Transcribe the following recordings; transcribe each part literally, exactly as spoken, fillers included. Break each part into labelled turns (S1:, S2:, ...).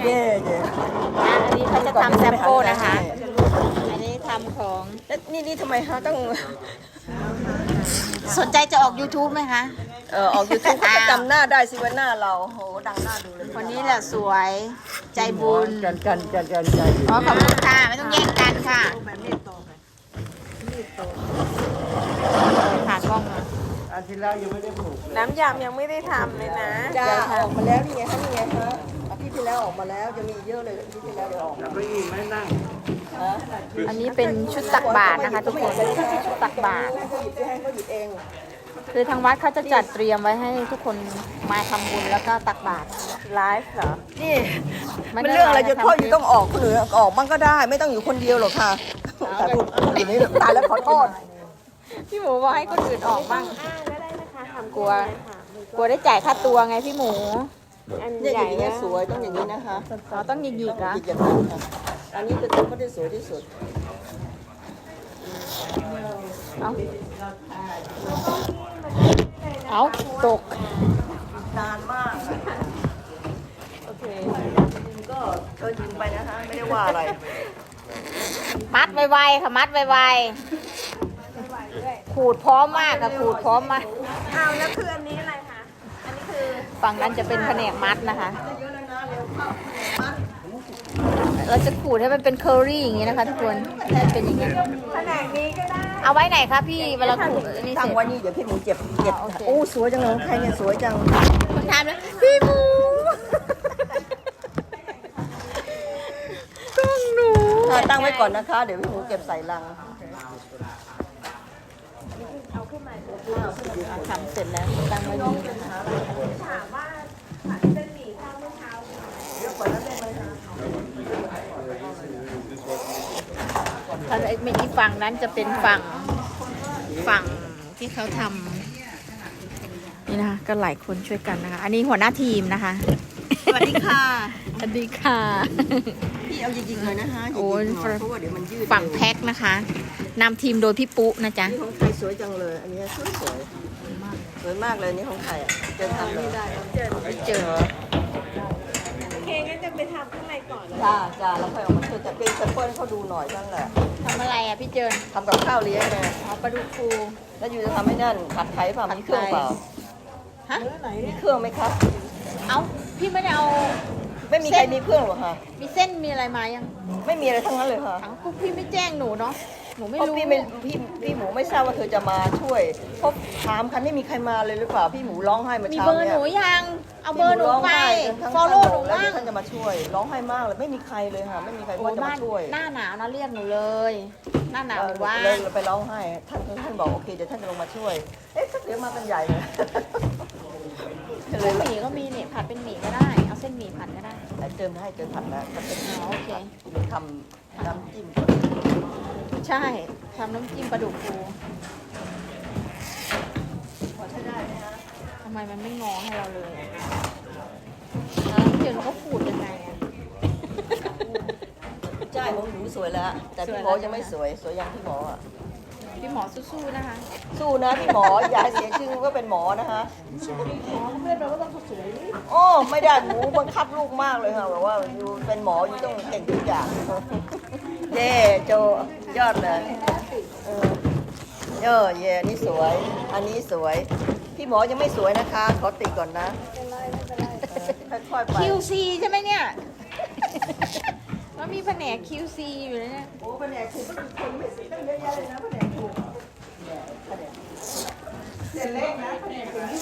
S1: เย่เย่
S2: อันนี้เขาจะทำแซมโก้นะคะ อันนี้ทำของ
S1: แล้วนี่นี่ทำไมฮะต้อง
S2: สนใจจะออก ยูทูบ ไหมคะ
S1: เออออกยูทูบก็จำหน้าได้สิว่าหน้าเราโหดังหน้าดูเลย
S2: คนนี้แหละสวยใจบุญ
S1: กันกันกันกันกัน
S2: อ๋อขอบคุณค่ะ ไม่ต้องแย่งกันค่ะผ่านกล้องมา
S1: อันที่แล้วยังไม่ได้ผูก
S3: น้ำยำยังไม่ได้ทำเลยนะ
S1: จ้าออกมาแล้วนี่ไงคะนี่ไงคะอาทิตย์ที่แล้วออกมาแล้วจะมีเยอะเลยอาทิตย์ที่แล้วเดี๋ยวออกมา
S2: อันนี้เป็นชุดตักบาตรนะคะ ทุกคนชุดตักบาตร
S1: ให้เขาหยิบให้เขาหยิบเอง
S2: คือทางวัดเขาจะจัดเตรียมไว้ให้ทุกคนมาทำบุญแล้วก็ตักบาตร
S3: ไลฟ์เหรอ
S1: นี่
S2: ไม่
S1: มัน
S2: ได้
S1: เรื่องอะไร
S2: ไลฟ์
S1: จะ
S2: นะ
S1: พ่อ
S2: ทำ
S1: อยู่ต้องออกคนอื่นออกบ้างก็ได้ ไม่ต้องอยู่คนเดียวหรอกค่ะแต่พูดอย่างนี้ตายแล้วขอโทษ
S2: พี่หมูบอกให้คนอื่นออกบ้าง
S3: อ่าก็ได้นะคะทำ
S2: กลัว กลัวได้จ่ายค่าตัวไงพี่หมู
S3: อัน
S1: เนี่ย
S3: ให
S1: อ
S3: ญ่
S1: ย่างนี้
S3: นะ
S1: สวยต้องอย่างนี้นะคะ
S2: เราต้องหยิกๆเหรอ
S1: หยิบอย่างนั้นค่ะอันนี้เป็นตัวเขาที่สวยที่สุด
S2: เอาเอาตก
S1: นานมากโอเคก็เชิญยิงไปนะคะไม่ได้ว่าอะไร
S2: มัดไวๆค่ะมัดไวๆขูดพร้อมมากค่ะขูดพร้อมมาก
S3: อ้าวแล้วคืออันนี้อะไรคะ อันนี้คือ
S2: ฝั่งนั้นจะเป็นแผนกมัดนะคะ เราจะขูดให้มันเป็นเคอรี่อย่างนี้นะคะทุกคนให้เป็นอย่างนี้
S3: แผนกนี้ก็ได้
S2: เอาไว้ไหนคะพี่เวลาขูดอันนี้เส
S1: ตั้ง
S2: ร็จ
S1: ไว้นี่เดี๋ยวพี่หมูเจ็บเจ็บ
S2: อ๋อโอเค
S1: โอ้สวยจังเลยใครเนี่ยสวยจัง
S2: คุณทำแล้วพี่หมูต้องหนู
S1: อ่าตั้งไว้ก่อนนะคะ เดี๋ยวพี่หมูเก็บใส่ลัง
S2: ทำเสร็จแล้วตั้งไว้นี่
S3: ถามว่าเส้นหมี่ข้าวเมื่อเช้า
S2: ถ้าไอ้เมอีฝั่งนั้นจะเป็นฝั่งฝั่งที่เขาทำนี่นะคะก็หลายคนช่วยกันนะคะ อันนี้หัวหน้าทีมนะคะ
S1: สวัสดีค่ะ
S2: สวัสดีค่ะ
S1: พี่เอายิงๆเลยนะคะยิงๆ
S2: โอ้ย
S1: หน่อยเพราะว่าเดี๋ยวมันยืด
S2: ฝั่งแพ็คนะคะนำทีมโดยพี่ปุ๊นะจ๊ะ
S1: นี่ของใครสวยจังเลย อันนี้สวยสวยสวยมากเลยนี่ของใครอ่ะเจอทำเลยได้
S2: ไม่เจอ
S3: โอเคงั้นจะไปทำข้างในก่อน
S1: จ้าจ้าแล้วค่อยออกมาช่วยแต่เป็นแซมเปิลให้เขาดูหน่อยนั่นแหละ
S2: ทำอะไรอ่ะพี่เจิน
S1: ทำกับข้าวเลี้ยงไง
S2: เอาปลาดุกฟู
S1: แล้วอยู่จะทำให้นั่นผัดไทยเปล่ามีเครื่องเปล่า
S2: ฮะ
S1: มีเครื่องไหมครับ
S2: เอาพี่ไม่ได้เอา
S1: ไม่มีใครมีเครื่องหรอกค่ะ
S2: มีเส้นมีอะไรมายัง
S1: ไม่มีอะไรทั้งนั้นเลยค่ะ
S2: เอาพวกพี่ไม่แจ้งหนูเนาะหนูไม่
S1: เพราะ
S2: รู้
S1: พี่ไม่พี่พี่หมูไม่ทราบว่าเธอจะมาช่วยเพราะถามคันไม่มีใครมาเลยหรือเปล่าพี่หมูร้องไห้เมื่อ
S2: มี
S1: เช้า
S2: เบอร์
S1: เนี่
S2: ห
S1: ย
S2: นูยังเอาเบอร์หนูไป
S1: ทั้ง
S2: ฟอลโล่หนู
S1: แล้ว
S2: บ้าง
S1: ท่านจะมาช่วย ร้องไห้มากเลยไม่มีใครเลยค่ะ ไม่มีใคร
S2: โอ้
S1: ว่าจะ
S2: บ้า
S1: มาน ช่วย
S2: หน้าหนาวนะเรียกหนูเลย หน้าหนาวหนูว่า
S1: เลยไปร้องไห้ท่านท่านบอกโอเคเดี๋ยวท่านจะลงมาช่วย เอ๊ะเดี๋ยวมากันใหญ่เลยเล
S2: เส้
S1: ย
S2: นหมี่ก็มีเนี่ยผัดเป็นหมี่ก็ได้เอาเส้นหมี่ผัดก็ได้
S1: เติมให้เติมผัดแล้วมันเป็น
S2: อ๋อโอเค
S1: ทำน้ำจิ้ม
S2: ใช่ทำน้ำจิ้มปลาดุกฟู
S1: พอใช้ได้ไหมฮะ
S2: ทำไมมันไม่งอให้เราเลยอะแล้วพี่เจินเขาขูดยังไงอะ
S1: ใช่ผมหนูสวยแล้ว แต่พี่หมอยังไม่สวยสวยอย่างพี่หมออ่ะ
S2: พี่หมอสู้ๆนะคะ
S1: สู้นะพี่หมออย่าให้เสียชื่อว่าเป็นหมอนะคะ
S2: เพื่อนเราก็ต้องสวย
S1: โอ้ไม่ได้หมูบังคับลูกมากเลยค่ะแบบว่าอยู่เป็นหมออยู่ต้องเก่งทุกอย่างเย่โจยอดเลยเออเออเย่นี่สวย อันนี้สวย พี่หมอยังไม่สวยนะคะขอติก่อนนะเออค่อยๆไป
S2: คิวซีใช่ไหมเนี่ยแล้วมีแผนก คิว ซี อยู่นะเนี่ย
S1: โอ้แผนกถูกก็มีคนไม่สิตั้งเยอะแยะเลยนะแผนกถูกเส้นเล็กนะแผนกถูก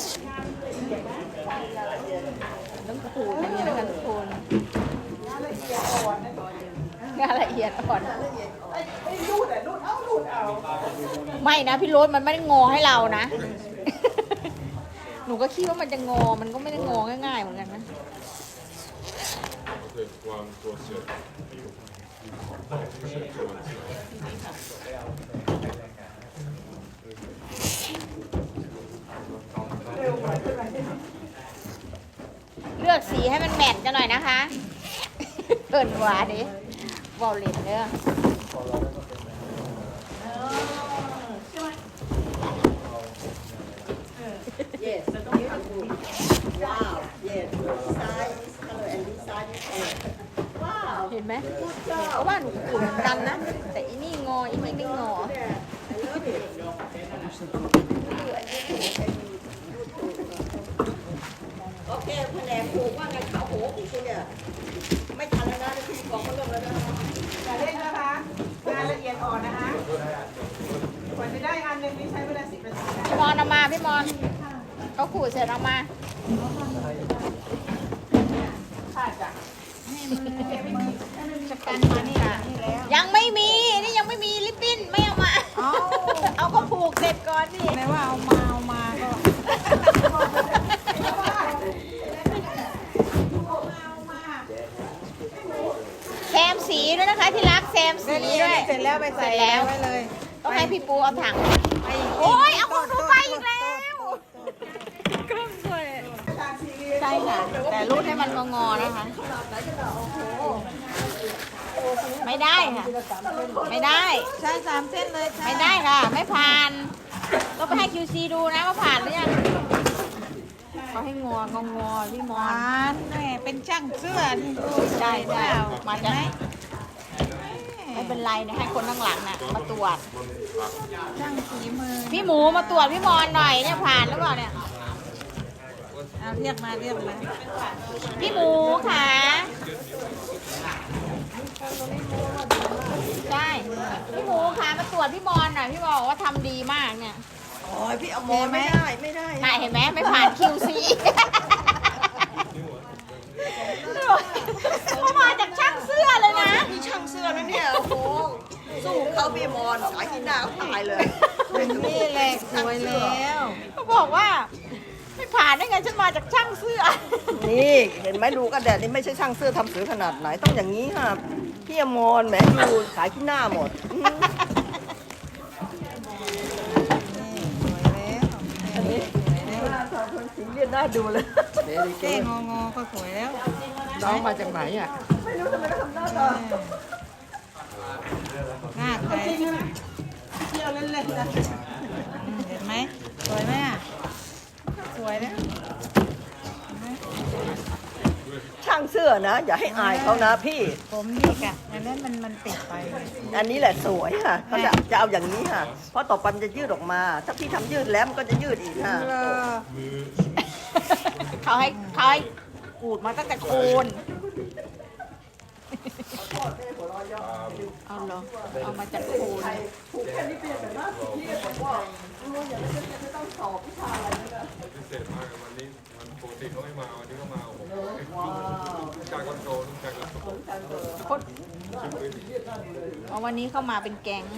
S2: ต้องขูดอย่างนี้นะคะทุกคน
S1: งานละเอียดอ่อนนะ
S2: งานละเอียดอ่อน
S1: งานละเอียดไอ้ไอ้รูดอ่ะรูดเอารูดเอา
S2: ไม่นะพี่โรสมันไม่ได้งอให้เรานะ หนูก็คิดว่ามันจะงอ มันก็ไม่ได้งอง่ายๆเหมือนกันนะ
S4: ความตัวเสือ
S2: เลือกสีให้มันแมทกันหน่อยนะคะเปิดหวาดิวอลเลนเด้อ
S1: Yes, wow, yes, size, color and design. ตายว้าว
S2: เห็นไหมเพราะว่าหนูขูดเหมือนกันนะ แต่อีนี่งออีนี่ไม่งอ
S1: โอเคแผนกปลูกว่าไงขาวโหของคุณเนี่ยไม่ทันแล้วนะที่กองเขาเริ่มแล้วนะ
S3: อย่าเล่นนะคะงานละเอียดอ่อนนะคะกว่าจะได้อันหนึ่งนี่ใช้เวลาสิบนาทีนะ
S2: พี่มอนเอามาพี่มอนเขาขูดเสร็จเอามา
S3: ค่ะจ้ะ
S2: จัดการมานี่ค่ะยังไม่มี นี่ยังไม่มีลิปปิ้นไม่เอามา
S3: เอา
S2: เอาก็ผูกเสร็จก่อนนี่
S3: ไหนว่าเอามาเอามาก็
S2: แซมสีด้วยนะคะที่รักแซมสีด้วย
S3: เสร็จแล้วไปใส่
S2: เสร็จแล้ว
S3: ไว้เลย
S2: ต้องให้พี่ปูเอาถัง
S3: ไป
S2: โอ้ยเอาของหนูไปอีกแล้วเครื่องสวยใช่ค่ะ แต่รูดให้มันงอๆนะคะ ไม่ได้ค่ะ ไม่ได้
S3: ใช้สามเส้นเลยค่ะ
S2: ไม่ได้ค่ะ ไม่ผ่านต้องไปให้ คิว ซี ดูนะว่าผ่านหรือยังเขาให้งององอพี่ม
S3: ห
S2: อ
S3: วาน นแม่เป็นช่างเสื้อนี่ดู
S2: ใช่ใช่
S3: เปล่
S2: มาจาก
S3: เห็นไหม
S2: ไม่เป็นไรนะให้คนข้างหลังน่ะมาตรวจ
S3: ช่างฝีมือ
S2: พี่หมูมาตรวจพี่มอนหน่อยเนี่ยผ่านหรือเปล่าเนี่ย
S3: เอาเรียกมาเรียกมา
S2: พี่หมูค่ะใช่พี่หมูค่ะมาตรวจพี่มอนหน่อยพี่บอกว่าทำดีมากเนี่ย
S1: โอ้ยพี่เอามอไม่ได้ไม่ได้
S2: น่าเห็นไหมไม่ผ่าน คิว ซี เขามาจากช่างเสื้อเลยนะ
S1: มีช่างเสื้อนะเนี่ยโอ้โหสู้เขาพี่มอนสายที่หน้าเขาตายเลย
S3: นี่แหละสวยแล้ว
S2: เขาบอกว่าไม่ผ่านได้ไงฉันมาจากช่างเสื้อ
S1: นี่เห็นไหมดูกระแดดนี่ไม่ใช่ช่างเสื้อทำเสือขนาดไหนต้องอย่างนี้ค่ะพี่อมรแหมดูสายที่หน้าหมดอืม
S3: นี่สวยแล้ว
S1: อันนี้หน้าทำคนสีเลียนหน้าดูเลย
S3: เต้งองอก็สวยแล้ว
S5: น้องมาจากไหนอ่ะ
S1: ไม่รู้ทำไมเขาทำหน้าตา
S3: หน้าใครเที่ยวเล่นๆนะอืมเห็นไหมสวยไหมอ่ะสวยแล้ว
S1: ช่างเสื้อนะ อย่าให้อายเขานะพี่
S3: ผมนี่กะอันนั้นมันมันติดไป
S1: อันนี้แหละสวยค่ะเขาจะจะเอาอย่างนี้ค่ะ เพราะต่อไปมันจะยืดออกมา ถ้าพี่ทำยืดแล้วมันก็จะยืดอีกค่ะ
S3: เออ
S2: เขาให้เขาให้กูดมาตั้งแต่โคน เอาเหรอ เอามาจากโคน
S1: ผูกแค่นี้เป็นแต่ว่าพี่บอกว่ารู้อย่างนี้จะต้องสอบวิชาอะไรนะ
S4: พิเศษมากวันนี้มันปกติเขาไม่มาวันนี้ก็มาโอ้โห
S1: ว้าว
S4: ลูกชายก็โตลูกชายก็โต
S2: คนเอาวันนี้เข้ามาเป็นแก๊ง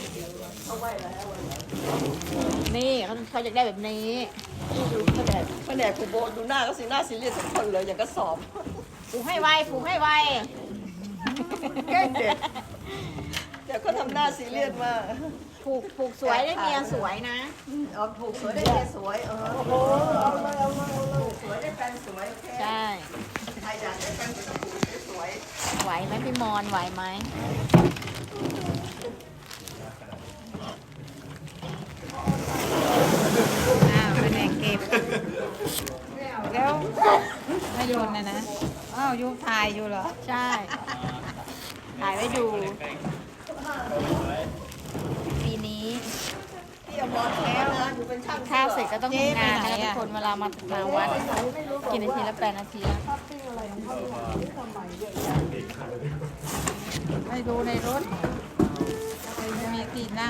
S2: นี่เขาเขาอยากได้แบบนี้
S1: ดูแผนกแผนกครูโบดูหน้าก็สีหน้าซีเรียสทุกคนเลยอย่างก็สอบ
S2: ผูกให้ไวผูกให้ไว
S1: แกล้งเด็กเดี๋ยวก็ทำหน้าซีเรียสมาก
S2: ผูกผูกสวยได้เมียสวยนะ
S1: เอาผูกสวยได้เมียสวยเออโอ้โหเอาเลยเอาเลยเอาเลยผูกสวยได้แฟนสวยโอเค
S2: ใช่
S1: ใครอยากได้แฟนสวยผูกสวย
S2: ไหวไหมพี่มอนไหวไหม
S3: อ้าวเป็นแงเก็บแล้วไม่โยนนะนะอ้าวยูถ่ายอยู่เหรอ
S2: ใช่ ถ่ายไว้ดู ปีนี้
S1: พี่อมรแล้วนะอยู่เป็นช่าง
S2: ข้าวเสร็จก็ต้อง
S3: เจ๊
S2: ทำงาน
S3: ไป
S2: นะ
S3: ไหน
S2: คะทุ
S3: อะ
S2: กคนเวลามามาวัดกี่นาทีละแปดนาทีแล้ว
S3: ไปดูในรถจะมีที่นั่ง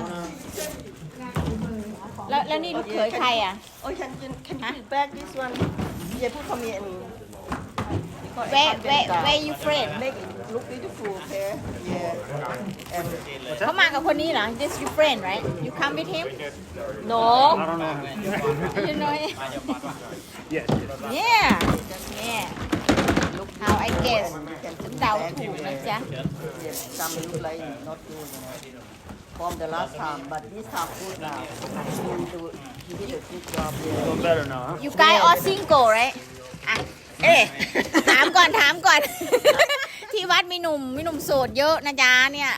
S2: แล้วแล้วนี่ลูกเขยใครอ่ะ
S1: โอ้ย can you can you put back this one เย่พูดคำนี้
S2: where where where you friend
S1: make it look beautiful okay yeah and
S2: เขามากับคนนี้เหรอ this your friend right you come with him no
S5: I don't know.
S2: you know
S5: Yes.
S2: yeah yeah look how I guess ฉันเดาถูกนะจ๊ะ
S1: yes some look like not good from the last time but this time good now you do you did a good job yeah
S5: Doing better now, huh?
S2: you guys all single right อ่ะเอ๊ะถามก่อนถามก่อน ที่วัดมีหนุ่มมีหนุ่มโสดเยอะนะจ๊ะเนี่ย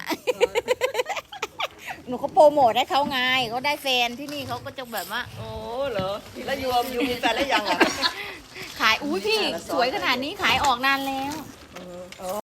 S2: หนูก็โปรโมทให้เขาไงเขาได้แฟนที่นี่เขาก็จะแบบว่า
S1: โอ้เหรอแล้วยูยูมีแฟนแล้วยังอ่ะ
S2: ขายอุ้ยพี่สวยขนาดนี้ขายออกนานแล้ว